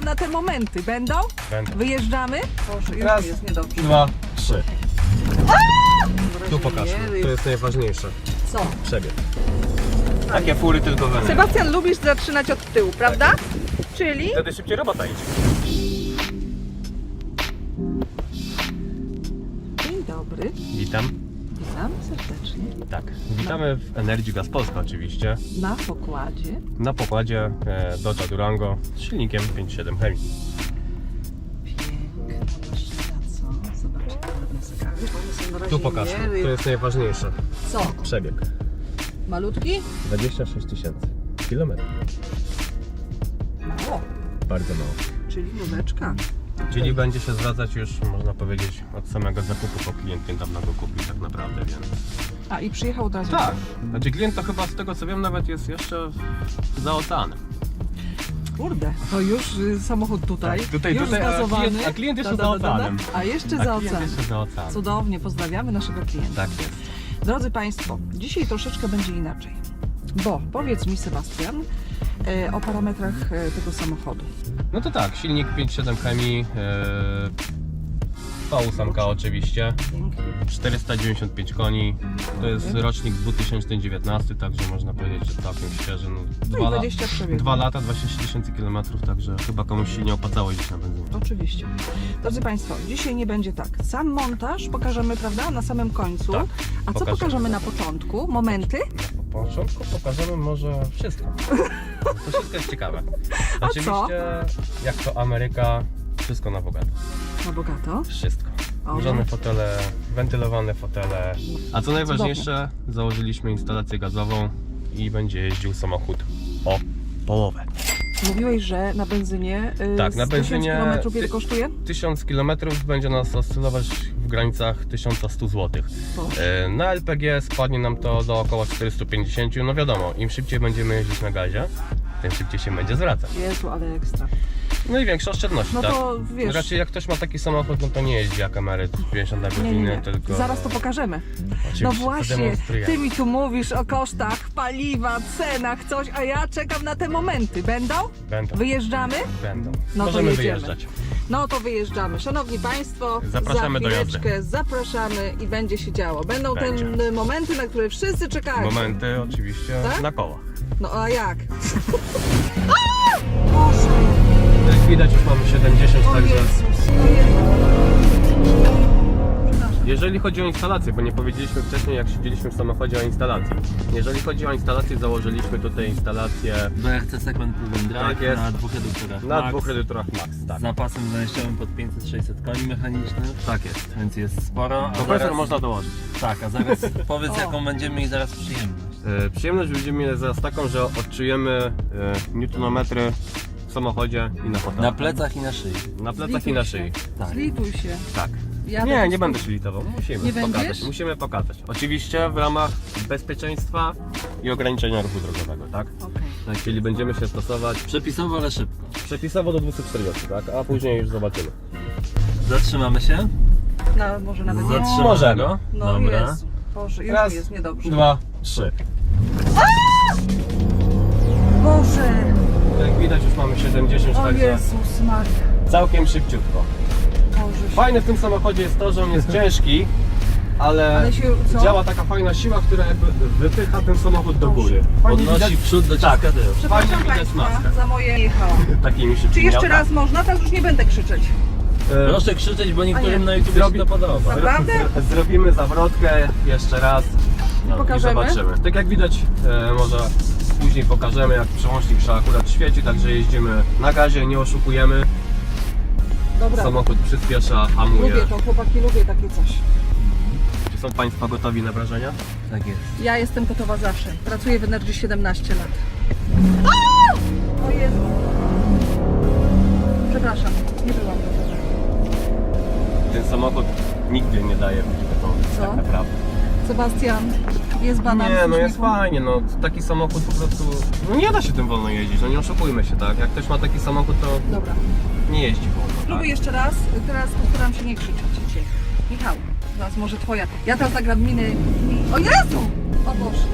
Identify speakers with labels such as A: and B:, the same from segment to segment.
A: czekam na te momenty. Będą?
B: Będą.
A: Wyjeżdżamy? Boże, już
B: Raz,
A: mi jest niedobrze.
B: 2, 3. Tu pokaż, to jest najważniejsze.
A: Co?
B: Przebieg. Takie fury tylko we mnie.
A: Sebastian, lubisz zaczynać od tyłu, prawda? Czyli?
B: Wtedy szybciej robota idzie.
A: Dzień dobry.
B: Witam.
A: Witam serdecznie.
B: Tak, witamy w Energii Gaz Polska oczywiście.
A: Na pokładzie.
B: Na pokładzie Dodge Durango z silnikiem 5.7 Hemi.
A: Piękna maszyna, co? Zobaczcie, ładne zegary. One są na razie
B: Tu pokaż, to jest najważniejsze.
A: Co?
B: Przebieg.
A: Malutki?
B: 26 000 kilometrów.
A: Mało.
B: Bardzo mało.
A: Czyli nóweczka.
B: Czyli będzie się zwracać już, można powiedzieć, od samego zakupu, bo klient niedawno go kupił tak naprawdę, więc...
A: A i przyjechał od razu.
B: Tak, znaczy klient to chyba z tego co wiem nawet jest jeszcze za oceanem.
A: Kurde, to już samochód tutaj.
B: Tak, tutaj,
A: już zgazowany.
B: a klient jeszcze za oceanem.
A: A jeszcze
B: A
A: za
B: klient
A: oceanem.
B: jeszcze za oceanem.
A: Cudownie, pozdrawiamy naszego klienta.
B: Tak jest.
A: Drodzy Państwo, dzisiaj troszeczkę będzie inaczej. Bo powiedz mi, Sebastian, o parametrach tego samochodu.
B: No to tak, silnik 5.7 Hemi, V8 oczywiście,
A: Pięknie.
B: 495 koni, to jest rocznik 2019, także można powiedzieć, że całkiem świeży.
A: No i 20 przebiegów.
B: 2 lata, 26 000 kilometrów, także chyba komuś się nie opłacało jeździć na benzynie.
A: Oczywiście. Drodzy Państwo, dzisiaj nie będzie tak. Sam montaż pokażemy, prawda, na samym końcu.
B: Tak,
A: A co pokażemy na początku? Momenty?
B: Na początku pokażemy może wszystko. To wszystko jest ciekawe.
A: A
B: Oczywiście,
A: co?
B: jak to Ameryka, wszystko na bogato.
A: Na bogato.
B: Wszystko.
A: O,
B: Grzane
A: no.
B: fotele, wentylowane fotele. A co najważniejsze, założyliśmy instalację gazową i będzie jeździł samochód o połowę.
A: Mówiłeś, że na benzynie
B: Tak, na benzynie
A: 1000 km ile kosztuje?
B: 1000 km będzie nas oscylować w granicach 1100 zł.
A: Boże.
B: Na LPG spadnie nam to do około 450. No wiadomo, im szybciej będziemy jeździć na gazie, tym szybciej się będzie zwracać.
A: Jezu, ale ekstra.
B: No i większe oszczędności,
A: No
B: tak?
A: to wiesz...
B: Raczej jak ktoś ma taki samochód, no to nie jeździ jak emeryt 50 na godzinę,
A: Nie.
B: tylko...
A: Zaraz to pokażemy.
B: Oczywiście,
A: No
B: to
A: właśnie,
B: demonstrujemy.
A: ty mi tu mówisz o kosztach paliwa, cenach, coś, a ja czekam na te momenty. Będą?
B: Będą.
A: Wyjeżdżamy?
B: Będą.
A: No to
B: Możemy
A: jedziemy.
B: wyjeżdżać.
A: No to wyjeżdżamy. Szanowni Państwo,
B: Zapraszamy
A: za
B: do jazdy.
A: chwileczkę zapraszamy i będzie się działo. Będą
B: Będzie.
A: te momenty, na które wszyscy czekają.
B: Momenty oczywiście
A: Tak?
B: na kołach.
A: No a jak? Boże,
B: Jak widać już mamy 70,
A: o
B: także...
A: Jezus, o Jezus. Przepraszam.
B: Jeżeli chodzi o instalację, bo nie powiedzieliśmy wcześniej jak siedzieliśmy w samochodzie o instalacji. Jeżeli chodzi o instalację, założyliśmy tutaj instalację
C: BRC segment Proven Drive
B: Tak jest.
C: na dwóch reduktorach
B: na
C: Max,
B: dwóch reduktorach Max. Tak,
C: z napasem zajściowym pod 500-600 koni mechanicznych,
B: tak jest.
C: więc jest sporo. A
B: Kompresor
C: zaraz,
B: można dołożyć.
C: tak, a zaraz powiedz
A: O.
C: jaką będziemy mieli zaraz przyjemność.
B: Przyjemność będziemy mieli zaraz taką, że odczujemy newtonometry w samochodzie i na fotelu.
C: Na plecach i na szyi.
B: Na plecach i na szyi.
C: Tak.
A: Zlituj się.
B: Tak.
A: Ja
B: Nie,
A: tak
B: nie będę się litował. Musimy
A: Nie
B: pokazać.
A: będziesz?
B: Musimy pokazać. Oczywiście w ramach bezpieczeństwa i ograniczenia ruchu drogowego, tak?
A: Okej.
B: Czyli będziemy się stosować
C: Przepisowo, ale szybko.
B: przepisowo do 240, tak? A później już zobaczymy.
C: Zatrzymamy się.
A: No, może nawet nie.
C: Zatrzymamy
B: Możemy.
C: go.
A: No
C: Dobra.
A: Jezu. Boże, już
B: Raz,
A: mi jest niedobrze.
B: 2, 3.
A: Boże,
B: Jak widać już mamy 70,
A: o
B: także
A: Jezus Maria.
B: całkiem szybciutko.
A: Boże.
B: Fajne w tym samochodzie jest to, że on jest ciężki, ale
A: Ale się, co?
B: działa taka fajna siła, która jakby wypycha ten samochód do góry. Fajnie
C: Podnosi
B: widać
C: w przód, dociska
B: Tak.
C: tył.
A: Przepraszam
B: fajnie widać
A: Państwa
B: maskę.
A: za moje jechałam.
B: takimi szybkimi
A: Czy jeszcze
B: autami.
A: raz można? Teraz już nie będę krzyczeć.
C: Proszę krzyczeć, bo
A: A nie.
C: niektórym na YouTube
B: Zrobi-
C: się to podoba.
A: Naprawdę?
B: Zrobimy zawrotkę jeszcze raz i
A: Pokażemy?
B: zobaczymy. Tak jak widać, może później pokażemy, jak przełącznik się akurat świeci, także jeździmy na gazie, nie oszukujemy.
A: Dobra,
B: Samochód przyspiesza, hamuje.
A: lubię to, chłopaki, lubię takie coś.
B: Czy są Państwo gotowi na wrażenia?
C: Tak jest.
A: Ja jestem gotowa zawsze. Pracuję w Energii 17 lat. O Jezu. Przepraszam, nie byłam gotowa.
B: Ten samochód nigdy nie daje być gotowy,
A: Co?
B: tak naprawdę.
A: Sebastian, jest banan.
B: Nie,
A: z
B: no jest
A: uśmiechem.
B: fajnie, no taki samochód po prostu, no nie da się tym wolno jeździć, no nie oszukujmy się, tak? Jak ktoś ma taki samochód, to
A: Dobra,
B: nie jeździ wolno,
A: spróbuj
B: tak?
A: jeszcze raz. Teraz postaram się nie krzyczeć dzisiaj. Michał, teraz może twoja. Ja teraz nagram miny. O Jezu! O Boże.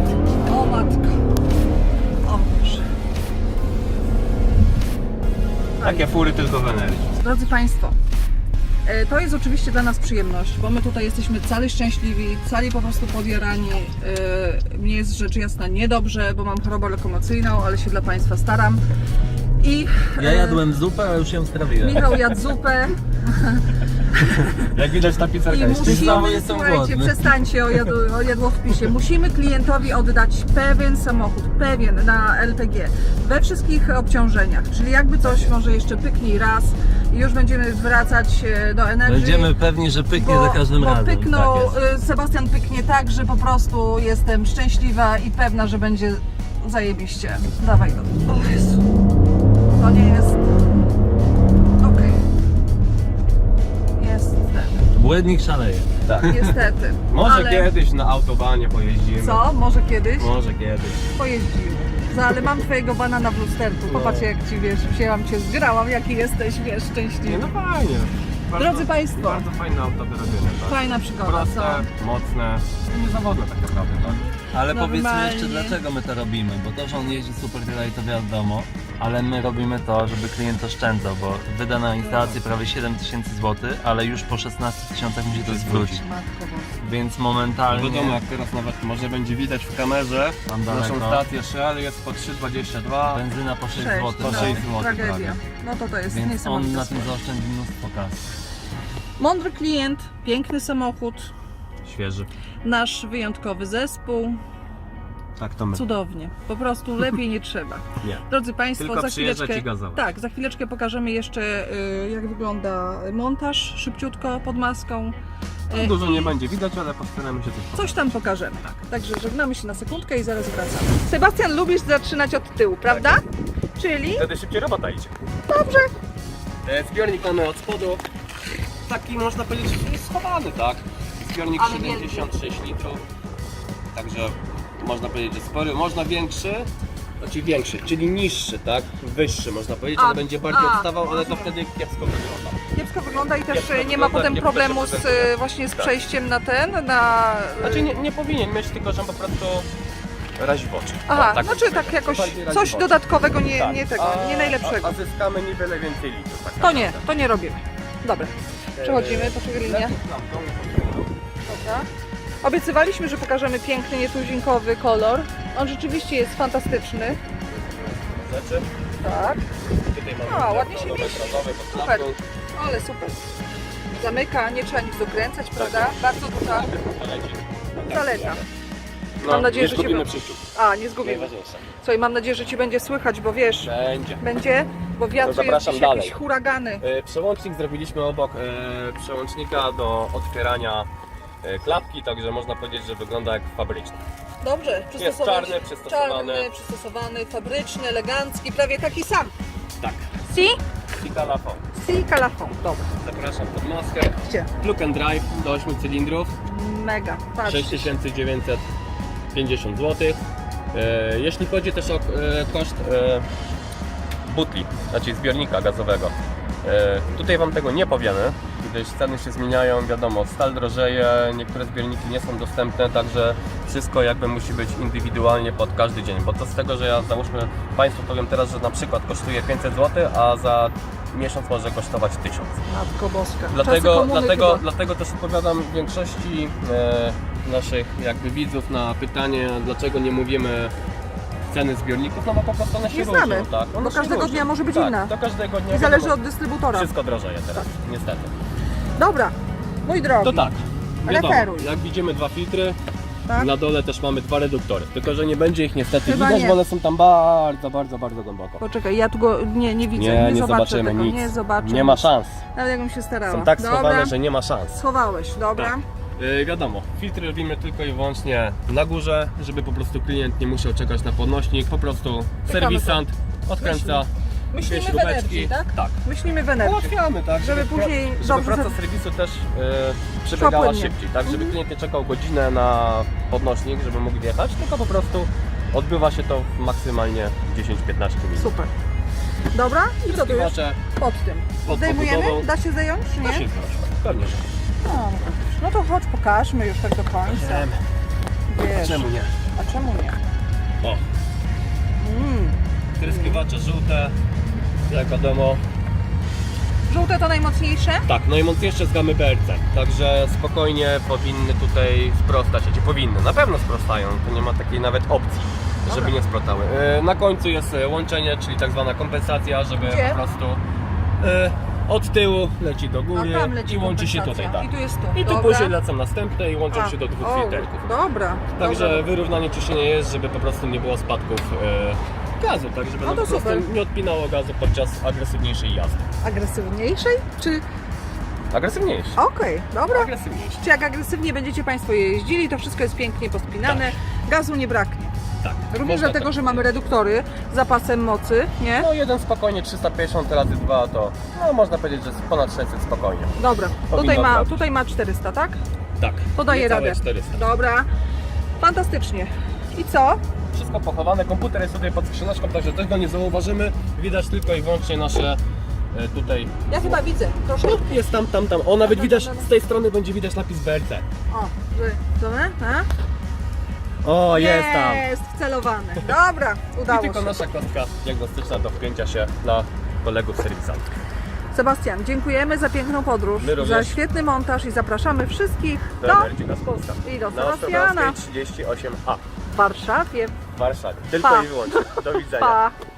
A: O matko. O Boże.
B: Takie fury tylko w energii.
A: Drodzy Państwo, to jest oczywiście dla nas przyjemność, bo my tutaj jesteśmy cali szczęśliwi, cali po prostu podjarani. Mnie jest rzecz jasna niedobrze, bo mam chorobę lokomocyjną, ale się dla Państwa staram. I
C: Ja jadłem zupę, a już ją strawiłem.
A: Michał jadł zupę
B: Jak widać ta pizzerka
A: i
B: jest czysta.
C: znowu
A: musimy,
C: jestem
A: słuchajcie,
C: głodny.
A: przestańcie o jadłowpisie. Musimy klientowi oddać pewien samochód, pewien na LPG, we wszystkich obciążeniach, czyli jakby coś może jeszcze pyknij raz i już będziemy wracać do energii.
C: Będziemy pewni, że pyknie za każdym
A: bo
C: razem.
A: pyknął,
C: Tak jest.
A: Sebastian pyknie tak, że po prostu jestem szczęśliwa i pewna, że będzie zajebiście. Dawaj go. O Jezu. To nie jest... Okej. Jest ten.
C: Błędnik szaleje.
B: Tak.
A: Niestety.
B: Może
A: ale...
B: kiedyś na autobanie pojeździmy.
A: Co? Może kiedyś?
B: Może kiedyś.
A: Pojeździmy. Ale mam twojego banana w lusterku. Popatrz jak ci, wiesz, wzięłam cię, zgrałam, jaki jesteś, wiesz,
B: Nie,
A: szczęśliwy.
B: no fajnie.
A: Drodzy Państwo.
B: Bardzo fajne auto do robienia, tak?
A: Fajna przygoda,
B: Proste,
A: co?
B: mocne i niezawodne tak naprawdę, tak?
C: Ale
A: Normalnie.
C: powiedzmy jeszcze dlaczego my to robimy, bo to, że on jeździ super tyle i to wiadomo, ale my robimy to, żeby klient oszczędzał, bo wyda na instalację prawie 7000 zł, ale już po 16 tysiącach musi to zwrócić.
A: Matko Boska.
C: Więc
B: No
C: momentalnie
B: wiadomo, jak teraz nawet może będzie widać w kamerze,
C: tam
B: naszą
C: daleko,
B: stację Shell jest po 3,22.
C: benzyna po 6
A: Cześć,
C: zł,
B: po
A: no,
B: 6 zł
A: tragedia.
B: prawie.
A: No to jest
C: Więc on
A: niesamowite.
C: na tym zaoszczędzi mnóstwo kasy.
A: Mądry klient, piękny samochód,
B: Świeży.
A: nasz wyjątkowy zespół.
B: Tak to my.
A: Cudownie. Po prostu lepiej nie trzeba.
B: Nie.
A: Drodzy Państwo,
B: Tylko
A: za
B: przyjeżdżać
A: chwileczkę.
B: i gazować.
A: Tak, za chwileczkę pokażemy jeszcze jak wygląda montaż szybciutko pod maską.
B: No, dużo nie będzie widać, ale postaramy się coś
A: Coś tam pokażemy. Także żegnamy się na sekundkę i zaraz wracamy. Sebastian, lubisz zaczynać od tyłu, prawda? Czyli?
B: Wtedy szybciej robota idzie.
A: Dobrze.
B: Zbiornik mamy od spodu. Taki można powiedzieć schowany, tak? Zbiornik
A: Ale
B: 76 litrów. Także można powiedzieć, że spory. Można większy, znaczy większy, czyli niższy, tak? Wyższy można powiedzieć,
A: A,
B: ale będzie bardziej
A: a,
B: odstawał, ale to
A: rozumiem.
B: wtedy kiepsko wygląda.
A: Kiepsko wygląda i też
B: Kiepsko
A: nie ma
B: wygląda,
A: potem
B: kiepsko
A: problemu
B: się
A: z,
B: prezentuje.
A: właśnie z
B: Tak.
A: przejściem na ten, na...
B: Znaczy nie powinien mieć, tylko że po prostu razi w oczy.
A: Aha,
B: O,
A: znaczy
B: bym
A: tak
B: powiedział.
A: jakoś
B: Bardziej razi
A: coś
B: w oczy.
A: dodatkowego, nie,
B: Tak.
A: nie tego, nie najlepszego.
B: A zyskamy niewiele więcej litrów. Tak
A: To nie,
B: naprawdę.
A: to nie robimy. Dobra, przechodzimy, poczekaj linia.
B: Lepiej klamką.
A: Dobra. Obiecywaliśmy, że pokażemy piękny, nietuzinkowy kolor. On rzeczywiście jest fantastyczny.
B: Rzeczy.
A: Tak,
B: Tutaj
A: A,
B: mamy
A: ładnie się
B: nowe,
A: mieści.
B: brązowe pod
A: Super.
B: klapką.
A: ale super. Zamyka, nie trzeba nic dokręcać,
B: Tak.
A: prawda? Bardzo duża zaleta.
B: No,
A: Mam nadzieję,
B: nie
A: że się
B: zgubimy
A: wy-
B: przyjściu.
A: A, nie zgubimy.
B: Najważniejsze.
A: Słuchaj, mam nadzieję, że Ci będzie słychać, bo wiesz,
B: Będzie.
A: będzie, bo wiatr jest
B: zapraszam
A: dziś
B: dalej.
A: jakieś huragany.
B: Przełącznik zrobiliśmy obok przełącznika do otwierania klapki, także można powiedzieć, że wygląda jak fabryczny.
A: Dobrze,
B: czarny, przystosowany.
A: czarny, przystosowany, fabryczny, elegancki, prawie taki sam.
B: Tak.
A: Si?
B: I kalafon.
A: Si calafon. Dobra,
B: Zapraszam pod maskę.
A: gdzie?
B: Plug and drive do 8 cylindrów.
A: Mega, patrz.
B: 6950 zł. Jeśli chodzi też o koszt butli, znaczy zbiornika gazowego, tutaj Wam tego nie powiemy, gdyż ceny się zmieniają, wiadomo, stal drożeje, niektóre zbiorniki nie są dostępne, także wszystko jakby musi być indywidualnie pod każdy dzień, bo to z tego, że ja załóżmy Państwu powiem teraz, że na przykład kosztuje 500 zł, a za miesiąc może kosztować 1000.
A: Matko Boska. Czasy
B: Dlatego,
A: komuny chyba.
B: dlatego też odpowiadam większości naszych jakby widzów na pytanie, dlaczego nie mówimy ceny zbiorników, no bo po prostu one się
A: Nie
B: różnią,
A: znamy,
B: tak?
A: bo
B: One się
A: każdego
B: różnią.
A: dnia może być
B: tak,
A: inna.
B: Do każdego dnia
A: I zależy
B: wiadomo,
A: od dystrybutora.
B: wszystko drożeje teraz, niestety.
A: Dobra, mój drogi.
B: To tak, wiadomo,
A: Referuj.
B: jak widzimy 2 filtry,
A: Tak?
B: na dole też mamy 2 reduktory, tylko że nie będzie ich niestety
A: Chyba
B: widać,
A: nie.
B: bo one są tam bardzo, bardzo, bardzo głęboko.
A: Poczekaj, ja tu go nie widzę,
B: Nie
A: zobaczę
B: zobaczymy
A: tego,
B: nic,
A: nie zobaczę.
B: nie ma
A: nic.
B: szans.
A: Nawet jakbym się starała.
B: Są tak
A: Dobra.
B: schowane, że nie ma szans.
A: Schowałeś, dobra.
B: Tak. Wiadomo, filtry robimy tylko i wyłącznie na górze, żeby po prostu klient nie musiał czekać na podnośnik, po prostu serwisant odkręca
A: Myślimy
B: dwie
A: w energii,
B: śrubeczki.
A: tak?
B: Tak.
A: Myślimy w energii.
B: Ułatwiamy, tak,
A: Żeby później
B: żeby
A: dobrze
B: praca
A: za-
B: serwisu też przebiegała
A: płynnie.
B: szybciej, tak, żeby klient nie czekał godzinę na podnośnik, żeby mógł wjechać, tylko po prostu odbywa się to w maksymalnie 10-15 minut.
A: Super. Dobra, i co tu już?
B: Spływacze
A: Pod tym.
B: pod
A: Zdejmujemy?
B: pobudową.
A: Da się zdjąć, czy
B: Da się
A: nie?
B: zrobić. Pewnie, że.
A: No to chodź, pokażmy już tak do końca. Wiesz,
B: Czemu nie?
A: a czemu nie?
B: O,
A: Mm.
B: tryskiwacze żółte, jak wiadomo,
A: Żółte to najmocniejsze?
B: tak, najmocniejsze z gamy BRC, także spokojnie powinny tutaj sprostać, znaczy powinny, na pewno sprostają, to nie ma takiej nawet opcji, żeby
A: Dobra.
B: nie sprostały. Na końcu jest łączenie, czyli tak zwana kompensacja, żeby
A: Gdzie?
B: po prostu od tyłu leci do góry
A: A tam leci
B: i łączy się tutaj,
A: kompensacja.
B: tak.
A: I tu jest tu.
B: I tu
A: Dobra.
B: później lecą następne i łączą się do dwóch
A: o,
B: filterków.
A: Dobra.
B: Także
A: dobra.
B: wyrównanie ciśnienia jest, żeby po prostu nie było spadków gazu, tak żeby
A: No
B: nam
A: to
B: po prostu
A: super.
B: nie odpinało gazu podczas agresywniejszej jazdy.
A: Agresywniejszej? Czy...
B: Agresywniejszy.
A: Okej, dobra.
B: Agresywniejszy.
A: Czy jak agresywnie będziecie Państwo jeździli, to wszystko jest pięknie pospinane, gazu nie braknie.
B: Tak.
A: Również
B: można
A: dlatego,
B: tak
A: że mamy
B: powiedzieć.
A: reduktory z zapasem mocy, nie?
B: No jeden spokojnie 350 razy 2 to no, można powiedzieć, że jest ponad 600 spokojnie.
A: Dobra,
B: Powinno brać.
A: tutaj ma 400, tak?
B: Tak.
A: To daje
B: niecałe
A: radę.
B: 400.
A: Dobra, fantastycznie. I co?
B: Wszystko pochowane, komputer jest tutaj pod skrzyneczką, także też go nie zauważymy. Widać tylko i wyłącznie nasze tutaj.
A: Ja chyba widzę, proszę.
B: No, jest tam. O, nawet
A: Tam,
B: widać,
A: tam.
B: z tej strony będzie widać napis BRC.
A: O, że, co my? A?
B: O, jest tam.
A: Jest wcelowane. Dobra,
B: I
A: udało
B: tylko
A: się.
B: nasza kostka diagnostyczna do wpięcia się dla kolegów serwisantów.
A: Sebastian, dziękujemy za piękną podróż,
B: My również.
A: za świetny montaż i zapraszamy wszystkich
B: Do
A: do
B: Emergy Gaz Polska.
A: i do
B: Na
A: Sebastiana
B: Ostrowskiej 38A
A: w Warszawie.
B: w Warszawie. Tylko
A: Pa.
B: i wyłącznie. Do widzenia.
A: Pa!